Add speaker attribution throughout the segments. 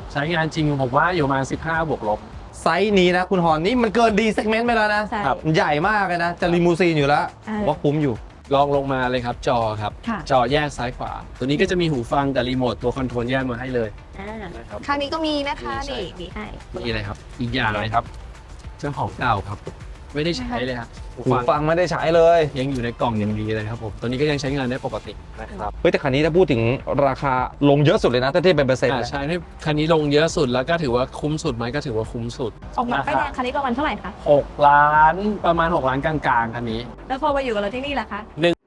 Speaker 1: ใช้งานจริงผมว่าอยู่ประมาณ15 บวกลบ
Speaker 2: ไซส์นี้นะคุณฮอนนี่มันเกินดีเซกเมนต์ไปแล้วนะครับใหญ่มากเลยนะจะลิมูซีนอยู่แล้วว่าคุ้มอยู่
Speaker 1: ลองลงมาเลยครับจอครับจอแยกซ้ายขวาตัวนี้ก็จะมีหูฟังแต่รีโมทตัวคอนโทรลแยกมาให้เลย
Speaker 3: นะครับข้างนี้ก็มีนะคะนี่มีให้
Speaker 1: มีอะไรครับอีกอย่างเลยครับเจ้าของเก่าครับไม่ได้ใช้เลยครับ
Speaker 2: หูฟังไม่ได้ใช้เลย
Speaker 1: ยังอยู่ในกล่องอย่างดีเลยครับผมตัวนี้ก็ยังใช้งานได้ปกตินะครับ
Speaker 2: เฮ้ยแต่คันนี้ถ้าพูดถึงราคาลงเยอะสุดเลยนะถ้าเทียบเป็นเปอร์เซ็นต์
Speaker 1: ใช่คันนี้ลงเยอะสุดแล้วก็ถือว่าคุ้มสุดไหมก็ถือว่าคุ้มสุด
Speaker 3: ออกมาป้ายแดงคันนี้ประมาณเท่าไหร่คะ
Speaker 1: 6 ล้านประมาณ6 ล้านกลางๆคันนี้
Speaker 3: แล้วพอมาอยู่กับเราที่นี่ล่ะคะ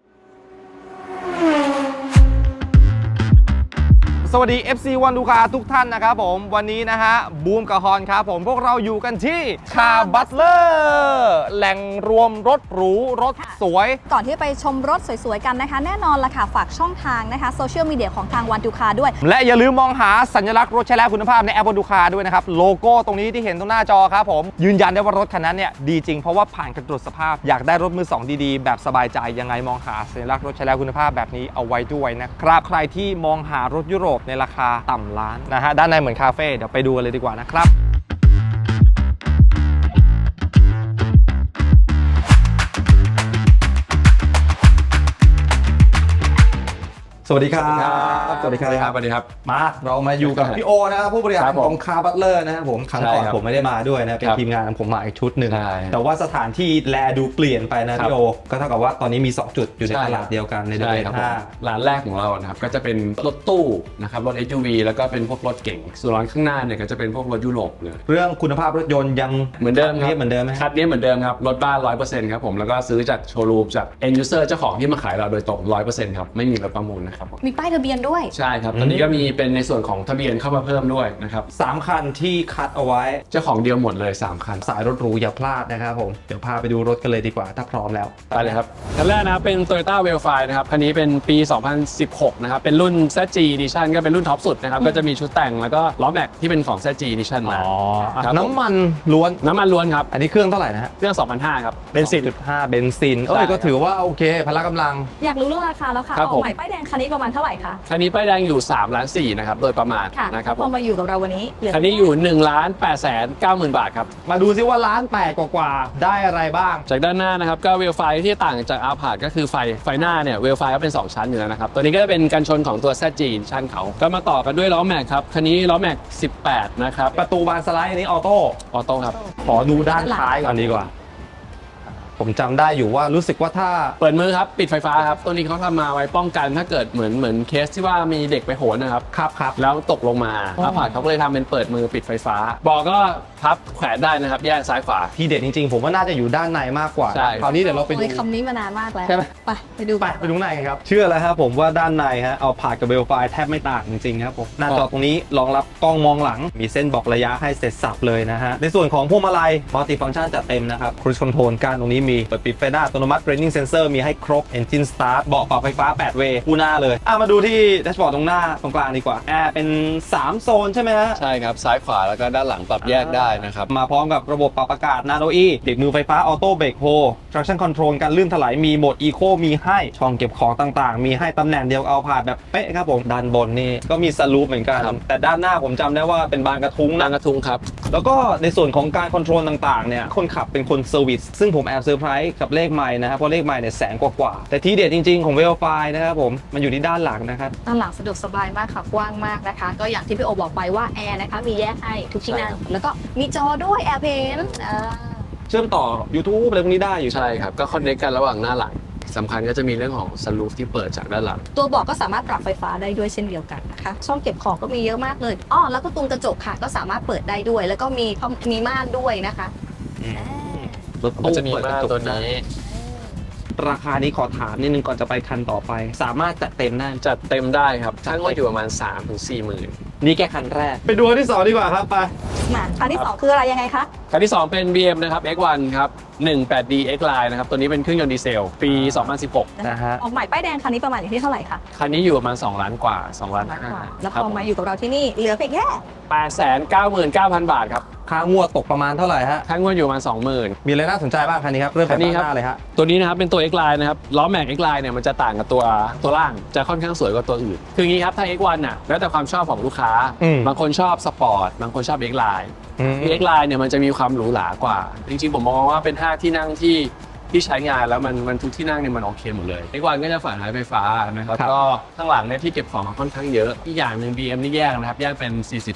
Speaker 2: สวัสดี FC วันดูคาทุกท่านนะครับผมวันนี้นะฮะบูมกับฮอนครับผมพวกเราอยู่กันที่คาร์บัตเลอร์แหล่งรวมรถหรูรถสวย
Speaker 3: ก่อนที่ไปชมรถสวยๆกันนะคะแน่นอนละค่ะฝากช่องทางนะคะโซเชียลมีเดียของทางวันดูคาด้วย
Speaker 2: และอย่าลืมมองหาสัญลักษณ์รถใช้แล้วคุณภาพในแอปวันดูคาด้วยนะครับโลโก้ตรงนี้ที่เห็นตรงหน้าจอครับผมยืนยันได้ว่ารถคันนั้นเนี่ยดีจริงเพราะว่าผ่านการตรวจสภาพอยากได้รถมือสองดีๆแบบสบายใจยังไงมองหาสัญลักษณ์รถใช้แล้วคุณภาพแบบนี้เอาไว้ด้วยนะครับใครที่มองหารถยุโรปในราคาต่ำล้านนะฮะด้านในเหมือนคาเฟ่เดี๋ยวไปดูกันเลยดีกว่านะครับสวัสดีครับ
Speaker 1: สวัสดีครับสวัสดีครับ
Speaker 2: มาเรามาอยู่กับพี่โอนะครับผู้บริหารของคาร์บัตเลอร์นะครับผมครั้งก่อนผมไม่ได้มาด้วยนะเป็นทีมงานผมมาอีกชุดหนึ่งแต่ว่าสถานที่แลดูเปลี่ยนไปนะพี่โอก็เท่ากับว่าตอนนี้มี2จุดอยู่ในตลาดเดียวกันในเดือน5
Speaker 1: ร้านแรกของเรานะครับก็จะเป็นรถตู้นะครับรถ SUV แล้วก็เป็นพวกรถเก๋งส่วนร้านข้างหน้าเนี่ยก็จะเป็นพวกรถยุโรปเลย
Speaker 2: เรื่องคุณภาพรถยนต์ยัง
Speaker 1: เหมือนเดิม
Speaker 2: ครับเหมือนเดิมไหม
Speaker 1: คันนี้เหมือนเดิมครับรถบ้าน 100% ครับผมแล้วก็ซื้อจากโชว์รูมจาก end user เจ้าของที่มาขายเราโดยตรง 100% ครับไม่มีรถประมูลนะครับ
Speaker 3: มีป้ายทะเบียนด้วย
Speaker 1: ใช่ครับตอนนี้ก็มีเป็นในส่วนของทะเบียนเข้ามาเพิ่มด้วยนะครับ
Speaker 2: 3 คันที่คัดเอาไว้
Speaker 1: เจ้าของเดียวหมดเลย3 คัน
Speaker 2: สายรถหรูอย่าพลาดนะครับผมเดี๋ยวพาไปดูรถกันเลยดีกว่าถ้าพร้อมแล้ว
Speaker 1: ไปเลยครับคันแรกนะครับเป็น Toyota Wellfire นะครับคันนี้เป็นปี 2016 นะครับเป็นรุ่น ZG Edition ก็เป็นรุ่นท็อปสุดนะครับก็จะมีชุดแต่งแล้วก็ล้อแม็กที่เป็นของ ZG Edition มา
Speaker 2: น้ำมันล้วน
Speaker 1: ครับ
Speaker 2: อันนี้เครื่องเท่าไหร่นะฮะ
Speaker 1: เครื่อง 2,500 ครับเบนซิน
Speaker 2: 2.5 เบนซินก็ถือว่าโอเคพละกำลัง
Speaker 3: อยากรู้เรื่องราคาแล้วค่ะออกใหม่ป้ายแดงคันนี้ประมาณเท่าไหร่คะ
Speaker 1: คันนี้ป้ายแดงอยู่3.4 ล้านนะครับโดยประมาณนะครับ
Speaker 3: พอมาอยู่กับเราวันนี้
Speaker 1: คันนี้อยู่1,890,000 บาทครับ
Speaker 2: มาดูซิว่า1,800,000กว่าได้อะไรบ้าง
Speaker 1: จากด้านหน้านะครับก็เวลไฟที่ต่างจากอาพาร์ตก็คือไฟหน้าเนี่ยเวลไฟก็เป็น2 ชั้นอยู่แล้วนะครับตัวนี้ก็จะเป็นกันชนของตัว ZG ชั้นเขาก็มาต่อกันด้วยล้อแม็กครับคันนี้ล้อแม็ก18นะครับ
Speaker 2: ประตูบานสไลด์อันนี้ออโต้
Speaker 1: ครับ
Speaker 2: ขอดูด้านท้ายก่อนดีกว่าผมจำได้อยู่ว่ารู้สึกว่าถ้า
Speaker 1: เปิดมือครับปิดไฟฟ้าครับตัวนี้เขาทำมาไว้ป้องกันถ้าเกิดเหมือนเคสที่ว่ามีเด็กไปโหนนะครับ
Speaker 2: ครับ
Speaker 1: แล้วตกลงมาอาพาร์ตเขาก็เลยทำเป็นเปิดมือปิดไฟฟ้าบอกก็พับแขวนได้นะครับแยกซ้ายขวา
Speaker 2: ที่เด็ดจริงๆผมว่าน่าจะอยู่ด้านในมากกว่าคราวนี้เดี๋ยวเราไปดู
Speaker 3: คำนี้มานานมากแล้ว
Speaker 2: ใช่ไหม
Speaker 3: ไปดู
Speaker 2: ข้างในครับเชื่อแล้วครับผมว่าด้านในฮะเอาพาร์ตกับเวลไฟแทบไม่ต่างจริงๆครับผมหน้าจอตรงนี้รองรับกล้องมองหลังมีเส้นบอกระยะให้เสร็จสับเลยนะฮะในส่วนของพวงมาลัยมัลติฟังก์ชันจัดเต็มนะครับครูซคอนโทรลการตรงนี้มีเปิดปิดไฟหน้าอัตโนมัติ Braking Sensor มีให้ครบ Engine Start เบาะปรับไฟฟ้า8 เวย์คู่หน้าเลยมาดูที่แดชบอร์ดตรงหน้าตรงกลางดีกว่าแอร์เป็น3 โซนใช่ไหมฮะ
Speaker 1: ใช่ครับซ้ายขวาแล้วก็ด้านหลังปรับแยกได้นะครับ
Speaker 2: มาพร้อมกับระบบปรับอากาศ Nano E เบรกมือไฟฟ้า Auto Brake Hold Traction Control การลื่นถลายมีโหมด Eco มีให้ช่องเก็บของต่างๆมีให้ตำแหน่งเดียวเอาผ่านแบบเป๊ะครับผมด้านบนนี่ก็มีสลูปเหมือนกันแต่ด้านหน้าผมจำได้ว่าเป็นบานกระทุ้ง
Speaker 1: ครับ
Speaker 2: แล้วก็ในส่วนของการคอนโทรลต่างๆเนี่ยคนขับเป็นคนเซอร์วิสซึ่งผมแอบเซอร์ไพรส์กับเลขไมล์นะครับเพราะเลขไมล์เนี่ย100,000 กว่าแต่ที่เด็ดจริงๆของ Wellfire นะครับผมมันอยู่ที่ด้านหลังนะครับ
Speaker 3: ด้านหลังสะดวกสบายมากค่ะกว้างมากนะคะก็อย่างที่พี่โอบอกไปว่าแอร์นะคะมีแยกให้ทุกที่นั่งแล้วก็มีจอด้วย AirPlay
Speaker 2: เชื่อมต่อ YouTube อะไรพวกนี้ได้อยู่
Speaker 1: ใช่ครับก็คอนเนคกันระหว่างหน้าหลังสำคัญก็จะมีเรื่องของซันรูฟที่เปิดจากด้านหลัง
Speaker 3: ตัวเบาะก็สามารถปรับไฟฟ้าได้ด้วยเช่นเดียวกันนะคะช่องเก็บของก็มีเยอะมากเลยแล้วก็ตรงกระจกค่ะก็สามารถเปิดได้ด้วยแล้วก็มีม่านด้วยนะคะ
Speaker 2: รถตู้จะมีม่านตัวนี้ราคานี้ขอถามนิดนึงก่อนจะไปคันต่อไปสามารถจัดเต็ม
Speaker 1: ได้ครับช่างก็อยู่ประมาณ 3-4 หมื่น
Speaker 2: นี่แค่คันแรกไปดูคันที่2ดีกว่าครับไป
Speaker 3: มาคันที่2คืออะไรยังไงคะ
Speaker 1: คันที่ 2 เป็น BM นะครับ X1 ครับ 18D X Line นะครับ ตัวนี้เป็นเครื่องยนต์ดีเซล ปี 2016
Speaker 2: นะฮะ
Speaker 3: ออกใหม่ป้ายแดงคันนี้ประมาณอยู่ที่เท่าไหร่คะ
Speaker 1: คันนี้อยู่ประมาณ2ล้านกว่า2ล้าน
Speaker 3: แล้วพอมาอยู่กับเราที่นี่เหลือเพียงแค่
Speaker 1: 899,000 บาทครับ
Speaker 2: ค่างวดตกประมาณเท่าไหร่ฮะ
Speaker 1: ค่างวดอยู่ประมาณ 20,000
Speaker 2: มีอะไรน่าสนใจบ้างคันนี้ครับเริ่ม
Speaker 1: คั
Speaker 2: จาก
Speaker 1: นนี้
Speaker 2: ด้าน
Speaker 1: ครับ
Speaker 2: หน้าเลยฮะ
Speaker 1: ตัวนี้นะครับเป็นตัว X Line นะครับล้อแม็ก X Line เนี่ยมันจะต่างกับตัวล่างจะค่อนข้างสวยกว่าตัวอื่นคืออย่างนี้ครับถ้า X1 น่ะแล้วแต่ความชอบของลูกค้า บางคนชอบสปอร์ตบางคนชอบ X Line X Line เนี่ยมันจะมีความหรูหรากว่า จริงๆผมมองว่าเป็น5ที่นั่งที่ใช้งานแล้วมันทุกที่นั่งเนี่ยมันโอเคหมดเลย X1 ก็จะฝาท้ายไฟฟ้านะครับก็ข้างหลังเนี่ยที่เก็บของค่อนข้างเยอะอีกอย่างหนึ่ง BM นี่แยกนะครับแยกเป็น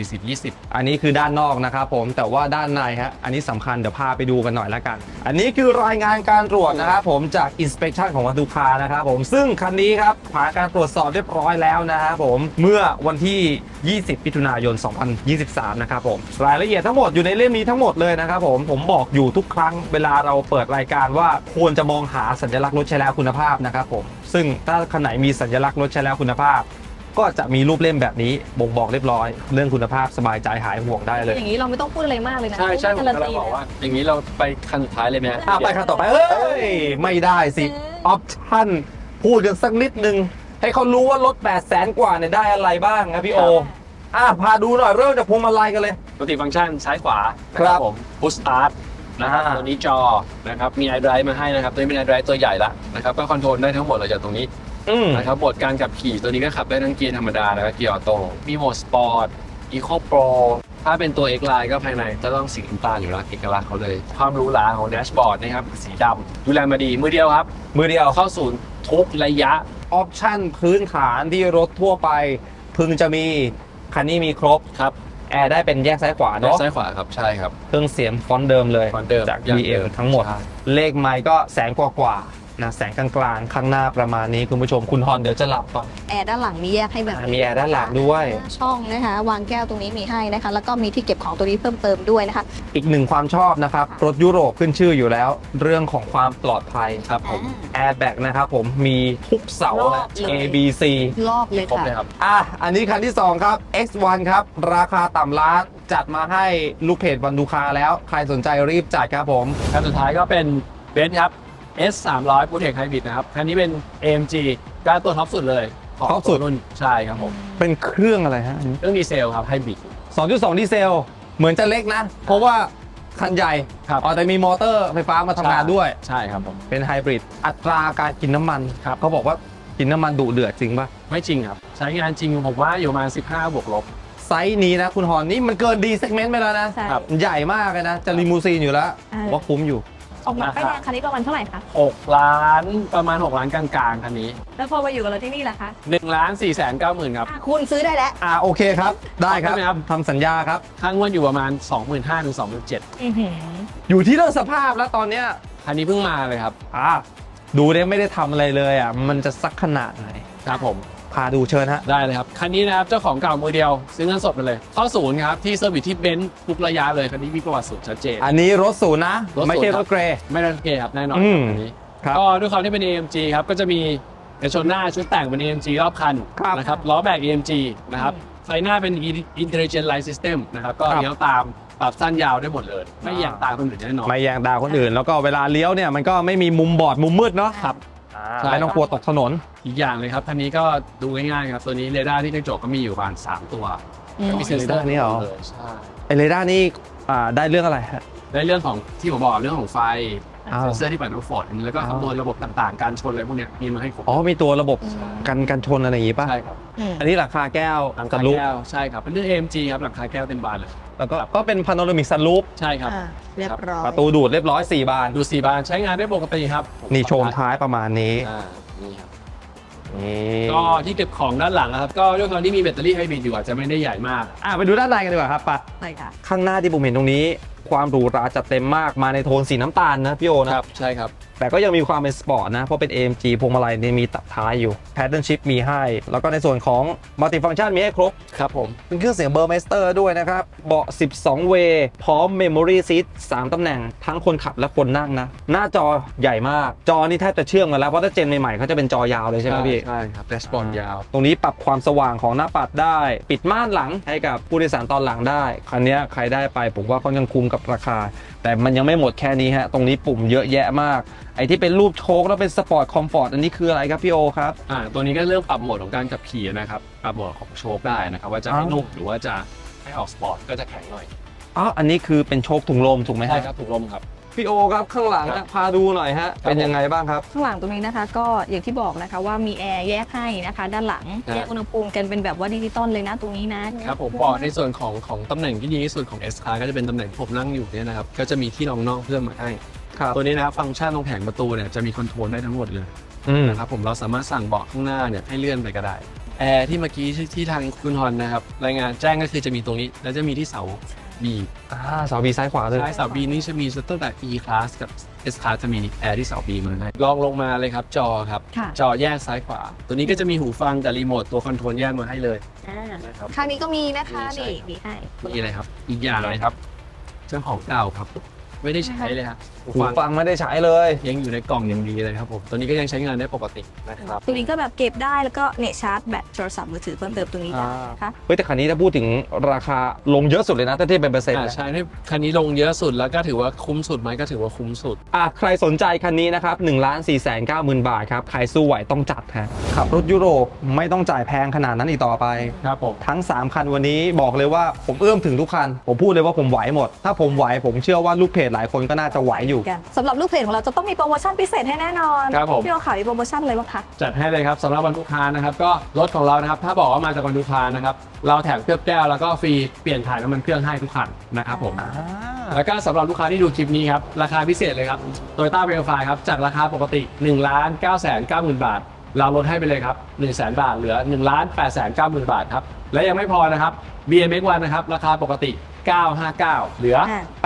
Speaker 1: 40
Speaker 2: อันนี้คือด้านนอกนะครับผมแต่ว่าด้านในฮะอันนี้สำคัญเดี๋ยวพาไปดูกันหน่อยละกัน อันนี้คือรายงานการตรวจนะครับผมจาก inspection ของวัตถุคานะครับผมซึ่งคันนี้ครับผ่านการตรวจสอบเรียบร้อยแล้วนะครับผมเมื่อวันที่ 20 มิถุนายน 2023 นะครับผมรายละเอียดทั้งหมดอยู่ในเล่มนี้ทั้งหมดเลยนะครับผมบอกอยู่ทุกครั้งเวลาเราเปิดรายการว่าควรจะมองหาสัญลักษณ์รถใช้แล้วคุณภาพนะครับผมซึ่งถ้าคันไหนมีสัญลักษณ์รถใช้แล้วคุณภาพ ก็จะมีรูปเล่มแบบนี้บ่งบอกเรียบร้อย เรื่องคุณภาพสบายใจหายห่วงได้เลย
Speaker 3: อย่างนี้เราไม่ต้องพูดอะไรมากเลยนะ
Speaker 1: ใช่ผม
Speaker 3: การัน
Speaker 1: กำลั
Speaker 3: ตี
Speaker 1: งบอกว่าอย่างนี้เราไปคันสุดท้ายเลยไหมฮะ
Speaker 2: ไปคันต่อไปเอ้ยไม่ได้สิออปชั่นพูดกันสักนิดนึงให้เขารู้ว่ารถ 800,000 กว่าเนี่ยได้อะไรบ้างนะพี่โอพาดูหน่อยเริ่มจากพวงมาลัยกันเลย
Speaker 1: ปกติฟังก์ชันซ้ายขวา
Speaker 2: ครับ
Speaker 1: ผม Push Start นะครับ ตัวนี้จอนะครับมี iDrive มาให้นะครับตัวนี้เป็น iDrive ตัวใหญ่ละนะครับก็คอนโทรลได้ทั้งหมดเลยจากตรงนี้นะครับโหมดการขับขี่ตัวนี้ก็ขับได้ทั้งเกียร์ธรรมดาแล้วก็เกียร์ออโต้มีโหมดสปอร์ต Eco Pro ถ้าเป็นตัว X Line ก็ภายในจะต้องสีน้ำตาลอยู่แล้วเอกลักษณ์เขาเลย ความหรูหราของแดชบอร์ดนะครับสีดำดูแลมาดีมือเดียวครับ
Speaker 2: มือเดียว
Speaker 1: เข้าศูนย์ทุกระยะ
Speaker 2: ออปชั่นพื้นฐานที่รถทั่วไปพึงจะมีคันนี้มีครบ
Speaker 1: ครับ
Speaker 2: แอร์ได้เป็นแยกซ้ายขวา
Speaker 1: ด้าน
Speaker 2: เนาะ
Speaker 1: ซ้ายขวาครับใช่ครับ
Speaker 2: เครื่องเสียงฟอนต์เดิมเลย
Speaker 1: ฟอนต์เดิม
Speaker 2: จาก
Speaker 1: อย่าง
Speaker 2: BM
Speaker 1: เดิม
Speaker 2: ทั้งหมด
Speaker 1: ใช่
Speaker 2: เลขไมค์ก็แสนกว่านะแสงกลางๆข้างหน้าประมาณนี้คุณผู้ชมคุณฮอนเดี๋ยวจะหลับก่อน
Speaker 3: แอร์ด้านหลังมีแยกให้แบบนี้
Speaker 2: มีแอร์ด้านหลังด้วย
Speaker 3: ช่องนะคะวางแก้วตรงนี้มีให้นะคะแล้วก็มีที่เก็บของตัวนี้เพิ่มเติมด้วยนะคะ
Speaker 2: อีกหนึ่งความชอบนะครับ รถยุโรปขึ้นชื่ออยู่แล้ว เรื่องของความปลอดภัย
Speaker 1: ครับผม
Speaker 2: แอร์แบ็กนะครับผมมีทุกเสา
Speaker 3: รอบ
Speaker 2: นะ
Speaker 3: เลย
Speaker 2: A B C
Speaker 3: รอบเลย
Speaker 1: ครบ
Speaker 3: ค่ะ
Speaker 1: เลยครับ
Speaker 2: อันนี้คันที่ 2 ครับ X1 ครับ ราคาต่ำล้านจัดมาให้ลูกเพจวันดูคาแล้ว ใครสนใจรีบจัดครับผม
Speaker 1: คันสุดท้ายก็เป็นเบนซ์ครับ S 300 Protect Hybrid นะครับ คันนี้เป็น AMG การตัวท็อปสุดเลยของ
Speaker 2: ท็อปสุด
Speaker 1: ตัวรุ่นใช่ครับผม
Speaker 2: เป็นเครื่องอะไรฮะ
Speaker 1: เครื่องดีเซลครับไฮบริด
Speaker 2: 2.2 ดีเซล เหมือนจะเล็กนะ เพราะว่าคันใหญ่
Speaker 1: ครับ
Speaker 2: แต่มีมอเตอร์ไฟฟ้ามาทำงานด้วย
Speaker 1: ใช่ครับผม
Speaker 2: เป็นไฮบริดอัตราการกินน้ำมัน
Speaker 1: ครับ
Speaker 2: เขาบอกว่ากินน้ำมันดุเดือดจริงป่ะ
Speaker 1: ไม่จริงครับ ใช้งานจริงผมว่าอยู่ประมาณ15 บวกลบ
Speaker 2: ไซส์นี้นะคุณฮอนนี่มันเกินดีเซกเมนต์ไปแล้วนะ
Speaker 3: ใช่
Speaker 1: ครับ
Speaker 2: ใหญ่มากเลยนะ จะลิมูซีนอยู่แล้ว ผมว่าคุ้มอยู่
Speaker 3: ออกมาป้ายแดงคันนี้ประมาณเท่าไหร่คะ
Speaker 1: 6 ล้านประมาณ 6 ล้านกลางๆ คันนี้
Speaker 3: แล้วพอมาอยู่กับเราที่นี่ล่ะคะ
Speaker 1: 1,490,000 ครับ
Speaker 3: คุณซื้อได้แล้ว
Speaker 2: โอเคครับ ได้ครับ
Speaker 1: ได้ไหมครับ
Speaker 2: ทำสัญญาครับ
Speaker 1: ค่างวดอยู่ประมาณ 25,000 ถึง 27,000
Speaker 2: อยู่ที่เรื่องสภาพแล้วตอนเนี้ย
Speaker 1: คันนี้เพิ่งมาเลยครับ
Speaker 2: ดูเนี่ยไม่ได้ทำอะไรเลยมันจะสักขนาดไหน
Speaker 1: ครับผม
Speaker 2: พาดูเชิญฮะ
Speaker 1: ได้เลยครับ คันนี้นะครับเจ้าของเก่ามือเดียวซื้อเงินสดไปเลย เข้าศูนย์ครับที่เซอร์วิสที่เบนซ์ทุกระยะเลย คันนี้มีประวัติศูนย์ชัดเจน
Speaker 2: อันนี้รถศูนย์นะ
Speaker 1: รถศูนย์
Speaker 2: ไม่ใช่
Speaker 1: ค
Speaker 2: ร
Speaker 1: รับ
Speaker 2: ถเกรย์
Speaker 1: ไม่ได้เกย์ครับแน่นอน
Speaker 2: อืม
Speaker 1: คันนี้
Speaker 2: ครับ
Speaker 1: ก็ด้วยความที่เป็น AMG ครับก็จะมีกระชนหน้าชุดแต่งเป็น AMG รอบคัน
Speaker 2: ครับ
Speaker 1: นะครับล้อแบก AMG นะครับไฟหน้าเป็น Intelligent Light System นะครับก็
Speaker 2: ครับ
Speaker 1: เลี้ยวตามปรับสั้นยาวได้หมดเลย ไม่แยงตามคนอื่นแน่นอน
Speaker 2: ไม่แยงดาวคนอื่น แล้วก็เวลาเลี้ยวเนี่ยมันก็ไม่มีมุมบอดมุมมืดเนาะ
Speaker 1: ครับ ใช่
Speaker 2: ไม่ต้องกลัวตกถนน
Speaker 1: อีกอย่างเลยครับคันนี้ก็ดูง่ายๆครับตัวนี้เรดาร์ที่กระจกก็มีอยู่ประมาณ3ตัว มีเซ็นเซอร์
Speaker 2: เรดาร์นี่เหรอ
Speaker 1: เลยใช่
Speaker 2: ไอเรดาร์นี่ได้เรื่องอะไรฮะ
Speaker 1: ในเรื่องของที่ผมบอกเรื่องของไฟ
Speaker 2: อ้าว
Speaker 1: เซ็นเซอร์ที่ปัดน้ำฝนแล้วก็คำนวณระบบต่างๆ การชนอะไรพวกเนี้ยมีมาให้ครบ
Speaker 2: มีตัวระบบกันชนอะไรอย่างงี้ป่ะ
Speaker 1: ใช่ครับ
Speaker 2: อันนี้หลังคาแก้ว
Speaker 1: หลัง
Speaker 2: กั
Speaker 1: คาน
Speaker 2: ลุก
Speaker 1: แก้วใช่ครับเป็นเรื่อง AMG ครับหลังคาแก้วเต็มบานเลย
Speaker 2: แล้วก็เป็นพาโนรามิกซันรูฟ
Speaker 1: ใช่ครับ
Speaker 3: เรียบร้อย
Speaker 2: ประตูดูดเรียบร้อย 4 บาน
Speaker 1: ดู4 บานใช้งานได้ปกติครับ
Speaker 2: นี่โชมท้ายประมาณนี้
Speaker 1: นี่ครับ
Speaker 2: นี่
Speaker 1: ก็ที่เก็บของด้านหลังนะครับก็ด้วยความที่มีแบตเตอรี่ไฮบริดอยู่อาจจะไม่ได้ใหญ่มาก
Speaker 2: ไปดูด้านในกันดีกว่าครับปะ
Speaker 3: ใช่ค่ะ
Speaker 2: ข้างหน้าที่ผมเห็นตรงนี้ ความหรูหราจัดเต็มมากมาในโทนสีน้ำตาลนะพี่โอนะ
Speaker 1: ใช่ครับ
Speaker 2: แต่ก็ยังมีความเป็นสปอร์ตนะ เพราะเป็น AMG พวงมาลัยเนี่ยมีตัดท้ายอยู่ Pattern Shift มีให้ แล้วก็ในส่วนของ Multi Function มีให้ครบ
Speaker 1: ครับผม
Speaker 2: เป็นเครื่องเสียง Burmester ด้วยนะครับ เบาะ 12 เวย์พร้อม Memory Seat 3 ตำแหน่ง ทั้งคนขับและคนนั่งนะ หน้าจอใหญ่มาก จอนี่แทบจะเชื่อมกันแล้ว เพราะถ้าเจนใหม่ๆเขาจะเป็นจอยาวเลยใช่ไหมพี่
Speaker 1: ใช่ครับแดชบอร์ดยาว
Speaker 2: ตรงนี้ปรับความสว่างของหน้าปัดได้ ปิดม่านหลังให้กับผู้โดยสารตอนหลังได้ คันนี้ใครได้ไปผมว่าค่อนข้างคุ้มกับราคา แต่มันยังไม่หมดแค่นี้ฮะตรงนี้ปุ่มเยอะแยะมากไอ้ที่เป็นรูปโชคแล้วเป็นสปอร์ตคอมฟอร์ตอันนี้คืออะไรครับพี่โอครับ
Speaker 1: ตัวนี้ก็เรื่องปรับโหมดของการขับขี่นะครับปรับโหมดของโชคได้นะครับว่าจะให้นุ่มหรือว่าจะให้ออกสปอร์ตก็จะแข็งหน่อย
Speaker 2: อ๋ออันนี้คือเป็นโชคถุงลมถูกไหมฮะ
Speaker 1: ใช่ครับถุงลมครับ
Speaker 2: พี่โอครับข้างหลัง
Speaker 1: ครับ
Speaker 2: พาดูหน่อยฮะเป็นยังไงบ้างครับ
Speaker 3: ข้างหลังตรงนี้นะคะก็อย่างที่บอกนะคะว่ามีแอร์แยกให้นะคะ ด้านหลังแยกอุณหภูมิกันเป็นแบบว่าดิจิตอลเลยนะตรงนี้นะครับ
Speaker 1: ผมบอกในส่วนของตำแหน่งที่ดีที่สุดของ S Class ก็จะเป็นตำแหน่งที่ผมนั่งอยู่เนี่ยนะครับก็จะมีที่รองน่องเพิ่มมาให้
Speaker 2: ครับ
Speaker 1: ตัวนี้นะครับฟังก์ชันตรงแผงประตูเนี่ยจะมีคอนโทรลได้ทั้งหมดเลย นะครับผมเราสามารถสั่งเบาะข้างหน้าเนี่ยให้เลื่อนไปก็ได้แอร์ที่เมื่อกี้ที่ทางคุณฮอนนะครับรายงานแจ้งก็คือจะมีตรงนี้แล้วจะมีที่เสา B
Speaker 2: เสาบีซ้ายขวาเลย
Speaker 1: ใช่เสา B นี่จะมีตั้งแต่ E Class กับ S Class จะมีแอร์ที่เสา B มาให้ลองลงมาเลยครับจอครับ
Speaker 3: ค่ะ
Speaker 1: จอแยกซ้ายขวา ตัวนี้ก็จะมีหูฟังกับรีโมทตัวคอนโทรลแยกมาให้เลย
Speaker 3: อ่า
Speaker 1: นะครับ
Speaker 3: ข้างนี้ก็มีนะคะ
Speaker 1: ใช่
Speaker 3: นี่
Speaker 1: ครับ
Speaker 3: มีให้
Speaker 1: นี่เลยครับอีกอย่างเลยครับเจ้าของเก่าครับไม่ได้ใช้เลยครับหู
Speaker 2: หู
Speaker 1: ฟัง
Speaker 2: ฟังไม่ได้ใช้เลย
Speaker 1: ยังอยู่ในกล่องอย่างดีเลยครับผมตัวนี้ก็ยังใช้งานได้ปกตินะครับ
Speaker 3: ตัวนี้ก็แบบเก็บได้แล้วก็เนี่ยชาร์จแบตโทรศัพท์มือถือเพิ่มเติมตรงนี้ได้นะคะ
Speaker 2: เฮ้ยแต่คันนี้ถ้าพูดถึงราคาลงเยอะสุดเลยนะถ้าเทียบเป็นเปอร์เซ็นต์
Speaker 1: ใช่ที่คันนี้ลงเยอะสุดแล้วก็ถือว่าคุ้มสุดไหมก็ถือว่าคุ้มสุด
Speaker 2: ใครสนใจคันนี้นะครับ1,490,000 บาทครับใครสู้ไหวต้องจัดฮะขับรถยุโรปไม่ต้องจ่ายแพงขนาดนั้นอีกต่อไป
Speaker 1: ครับผม
Speaker 2: ทั้ง 3 คันวันนี้บอกเลยว่าผมเอื้อมถึงทุกคัน ผมพูดเลยว่าผมไหวหมด ถ้าผมไหวผมเชื่อว่าลูกเพจหลายคนก็น่าจะไหวอยู่
Speaker 3: กันสำหรับลูกเพจของเราจะต้องมีโปรโมชั่นพิเศษให้แน่นอน
Speaker 1: ครับผม
Speaker 3: พี่โอขายมีโปรโมชั่นอะไรบ้างคะ
Speaker 1: จัดให้เลยครับสำหรับวันลูกค้านะครับก็รถของเรานะครับถ้าบอกว่ามาจากวันลูกค้านะครับเราแถมเคลือบแก้วแล้วก็ฟรีเปลี่ยนถ่ายน้ำมันเครื่องให้ทุกคันนะครับผมแล้วก็สำหรับลูกค้าที่ดูคลิปนี้ครับราคาพิเศษเลยครับ Toyota Verify ครับจากราคาปกติ 1,990,000 บาท เราลดให้ไปเลยครับ 100,000 บาทเหลือ 1,890,000 บาทครับและยังไม่พอนะครับ BMX1 นะครับราคาปกติ 959 เหลือ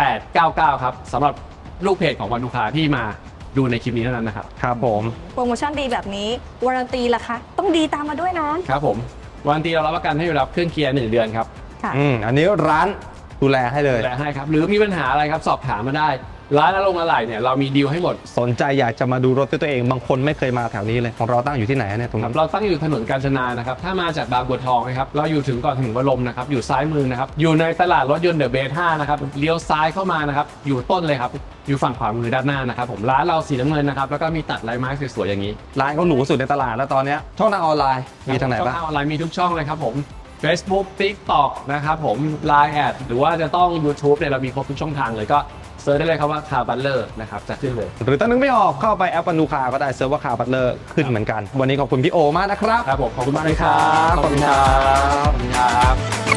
Speaker 1: 899 ครับสำหรับลูกเพจของวันลูกค้าที่มาดูในคลิปนี้เท่านั้นนะครับ
Speaker 2: ครับผม
Speaker 3: โปรโมชั่นดีแบบนี้วารันตีล่ะคะต้องดีตามมาด้วยนะครับ
Speaker 1: ผมวันทีเรารับประกันให้อยู่รับเครื่องเกียร์1 เดือนครับ
Speaker 3: ค่ะ
Speaker 2: อันนี้ร้านดูแลให้เลย
Speaker 1: ดูแลให้ครับหรือมีปัญหาอะไรครับสอบถามมาได้ ร้านอารมณ์อะไรเนี่ยเรามีดีลให้หมด
Speaker 2: สนใจอยากจะมาดูรถด้วยตัวเองบางคนไม่เคยมาแถวนี้เลยของเราตั้งอยู่ที่ไหนเนี่ยตรง
Speaker 1: ครั
Speaker 2: นั้
Speaker 1: บ
Speaker 2: น
Speaker 1: เราตั้งอยู่ถนนกาญจนานะครับถ้ามาจากบางบัวทองนะครับเราอยู่ถึงก่อนถึงวรมนะครับอยู่ซ้ายมือนะครับอยู่ในตลาดรถยนต์เดอะเบส5นะครับเลี้ยวซ้ายเข้ามานะครับอยู่ต้นเลยครับอยู่ฝั่งขวามือด้านหน้านะครับผมร้านเราสีน้ำเงินนะครับแล้วก็มีตัดลายไม้สวยๆอย่างนี้
Speaker 2: ร้านเขาหรูสุดในตลาดแล้วตอนเนี้ยช่องทางออนไลน์มีทางไหนบ้าง
Speaker 1: ช่องทางออนไลน์มีทุกช่องเลยครับผม Facebook TikTok นะครับผม Line แอดหรือว่าจะต้อง YouTube เนี่ยเรามีครบทุกช่องทางเลยก็เซิร์ชได้เลยครับว่าคาร์บัลเลอร์นะครับจะขึ้นเลย
Speaker 2: หรือถ้านึกไม่ออกเข้าไปแอปปันดูคาก็ได้เซิร์ฟว่าคาบัตเลอร์ขึ้นเหมือนกัน วันนี้ขอบคุณพี่โอมากนะครับ
Speaker 1: ครับผมขอบคุณมากเลยครับ
Speaker 2: ขอบคุณครับ
Speaker 1: ขอบคุณครับ